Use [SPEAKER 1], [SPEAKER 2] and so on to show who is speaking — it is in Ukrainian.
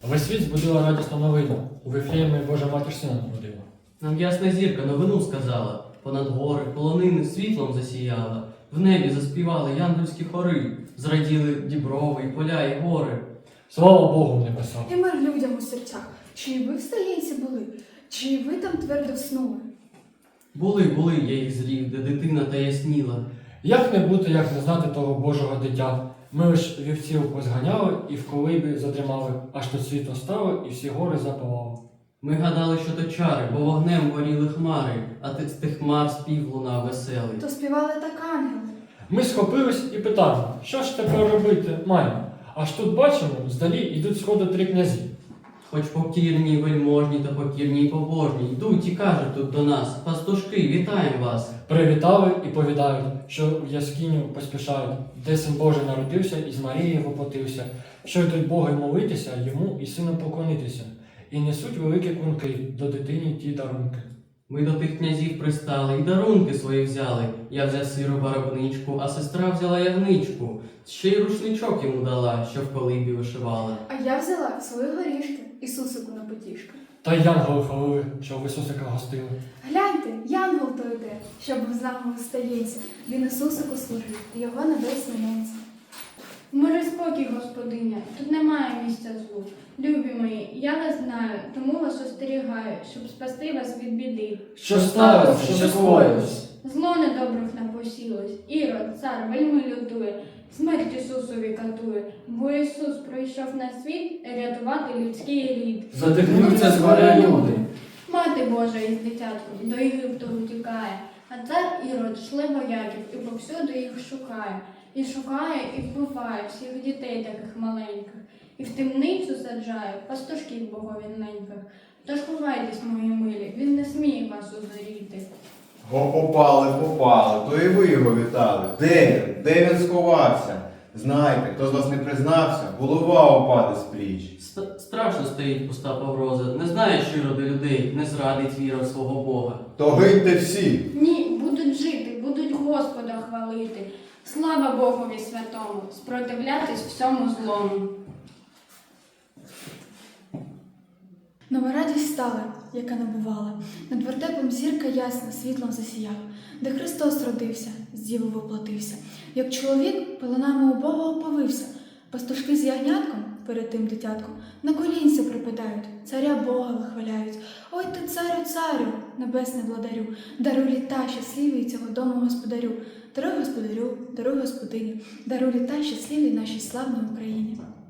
[SPEAKER 1] Весь світ збудила радісну новину. У Вифлеємі Божа Матір Сина народила.
[SPEAKER 2] Нам ясна зірка новину сказала, понад гори, полонини світлом засіяла, в небі заспівали янгольські хори, зраділи діброви, і поля, і гори.
[SPEAKER 1] Слава Богу в небесах!
[SPEAKER 3] І мир людям у серцях. Чи і ви в стаєнці були, чи і ви там твердо вснули?
[SPEAKER 2] Були, я їх зрів, де дитина та ясніла.
[SPEAKER 1] Як не бути, як не знати того Божого дитя? Ми лиш вівців позганяли і в колибі задрімали, аж тут світло стало і всі гори запалали.
[SPEAKER 2] Ми гадали, що то чари, бо вогнем горіли хмари, а з тих хмар спів лунав веселий.
[SPEAKER 3] То співали так ангели.
[SPEAKER 1] Ми схопились і питаємо, що ж тепер робити маємо? Аж тут бачимо, здалі йдуть сходу 3 князі.
[SPEAKER 2] Хоч покірні, вельможні та покірні й побожні, йдуть і кажуть тут до нас: пастушки, вітаємо вас!
[SPEAKER 1] Привітали і повідають, що в яскиню поспішають, де син Божий народився і з Марії воплотився, що йдуть Боги молитися, йому і сину поклонитися, і несуть великі клунки до дитині ті дарунки.
[SPEAKER 2] Ми до тих князів пристали і дарунки свої взяли. Я взяв сиру барабничку, а сестра взяла ягничку. Ще й рушничок йому дала, що в колибі вишивала.
[SPEAKER 3] А я взяла свої горішки, Ісусику на потішки.
[SPEAKER 1] Та й янголи хвалили, що в Ісусика гостили.
[SPEAKER 3] Гляньте, янгол то йде, що був з нами у стаєнці. Він Ісусику служив, і його небесні ненці.
[SPEAKER 4] Мир і спокій, господиня, тут немає місця злу. Любі мої, я вас знаю, тому вас остерігаю, щоб спасти вас від біди.
[SPEAKER 1] Що сталося, що скоїлось?
[SPEAKER 4] Зло недобрих напосілось, Ірод, цар, вельми лютує, смерть Ісусові катує, бо Ісус прийшов на світ рятувати людський рід.
[SPEAKER 1] Задихнуться з горя люди.
[SPEAKER 4] Мати Божа із дитятком до Єгипту утікає, а цар Ірод шле вояків і повсюди їх шукає. І шукає, і вбиває всіх дітей таких маленьких, і в темницю саджає пастушків боговінненьких. Тож ховайтесь, мої милі, він не сміє вас узоріти.
[SPEAKER 5] Попали, то і ви його вітали. Де він? Де він сховався? Знайте, хто з вас не признався, голова опаде з пліч.
[SPEAKER 2] Страшно стоїть пуста погроза, не знає щиро до людей, не зрадить віра в свого Бога.
[SPEAKER 5] То гиньте всі!
[SPEAKER 4] Ні, будуть жити, будуть Господа хвалити. Слава Богові святому, спротивлятись всьому злому.
[SPEAKER 3] Нова радість стала, яка не бувала. Над вертепом зірка ясна світлом засіяла, де Христос родився, з діви воплотився. Як чоловік пеленами у Бога оповився, пастушки з ягнятком перед тим дитятком на колінця припадають, царя Бога вихваляють. Ой ти, царю, царю, небесний владарю, даруй літа щасливі цього дому господарю. Даруй господарю, даруй господині, даруй літа щасливі нашій славній Україні.